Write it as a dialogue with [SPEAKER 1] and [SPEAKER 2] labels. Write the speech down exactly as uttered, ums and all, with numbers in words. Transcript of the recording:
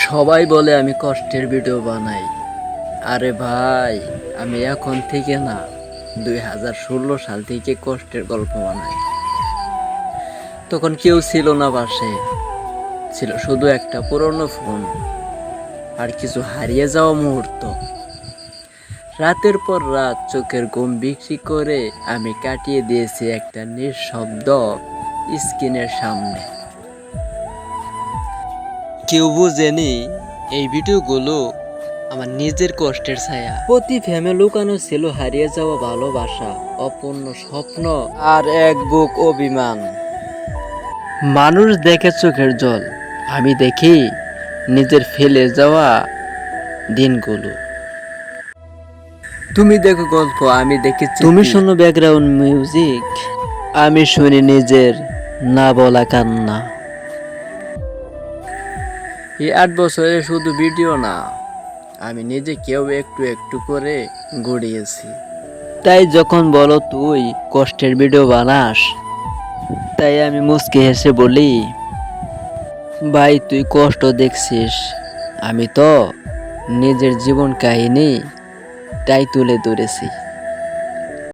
[SPEAKER 1] সবাই বলে আমি কষ্টের ভিডিও বানাই। আরে ভাই, আমি এখন থেকে না, দুই হাজার ষোলো সাল থেকে কষ্টের গল্প বানাই। তখন কেউ ছিল না পাশে, ছিল শুধু একটা পুরনো ফোন আর কিছু হারিয়ে যাওয়া মুহূর্ত। রাতের পর রাত চোখের ঘুম বিক্রি করে আমি কাটিয়ে দিয়েছি একটা নিঃশব্দ স্ক্রিনের সামনে। কেউ বুঝেনি এই ভিডিওগুলো আমার নিজের কষ্টের ছায়া। প্রতি ফ্রেমে লুকানো ছিল হারিয়ে যাওয়া ভালোবাসা, অপূর্ণ স্বপ্ন আর এক বুক অভিমান। মানুষ দেখে চোখের জল, আমি দেখি নিজের ফেলে যাওয়া দিনগুলো। তুমি দেখো গল্প, আমি দেখেছি। তুমি শোনো ব্যাকগ্রাউন্ড মিউজিক, আমি শুনি নিজের না বলা কান্না। এই আট বছরে শুধু ভিডিও না, আমি নিজে কেউ একটু একটু করে গড়িয়েছি। তাই যখন বলো তুই কষ্টের ভিডিও বানাস, তাই আমি মুচকি হেসে বলি, ভাই তুই কষ্ট দেখছিস, আমি তো নিজের জীবন কাহিনী তাই তুলে ধরেছি।